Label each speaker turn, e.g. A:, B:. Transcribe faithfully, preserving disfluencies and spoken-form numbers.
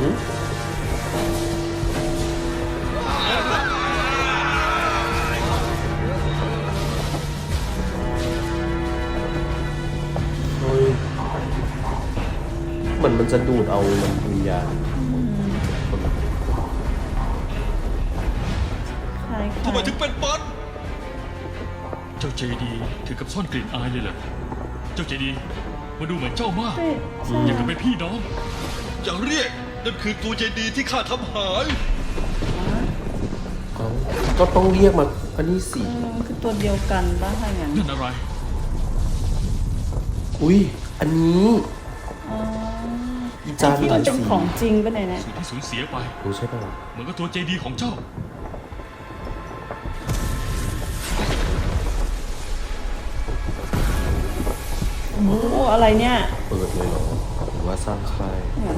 A: หืมเฮ้ยเหมือนมันจะดูดเอาวิญญาณคนละ
B: คล้ายๆ
C: ทำไมถึงเป็นปันเจ้าเจดีถึงกับซ่อนกลิ่นอายเลยเหรอเจ้าเจดีมาดูเหมือนเจ้ามาก
B: ใช่ใช่
C: อย่างกับเป็นพี่น้อง อย่าเรียกนั่นคือตัวเจดีที่ข้าทำหาย
A: เอ้าก็ต้องเรียกมาอันนี้สิ
B: เออมันคือตัวเดียวกันป่ะถ้าอย่างนั้น
C: นั่นอะไร
A: อุ้ยอันนี้
B: อ๋อ
A: อีจาน
B: ที่
A: ห
B: มั
A: ลาน ย
B: เป็น
A: สี
B: ของจริงป่ะเนี่ยนะ
C: สิ่งที่สูญเสียไป
A: รู้ใช่ป่ะ
C: เหมือนกับตัวเจดีของเจ้า
B: โอ้อะไรเนี่ย
A: เปิดเลยเหรอหรือว่าสร้างค่าย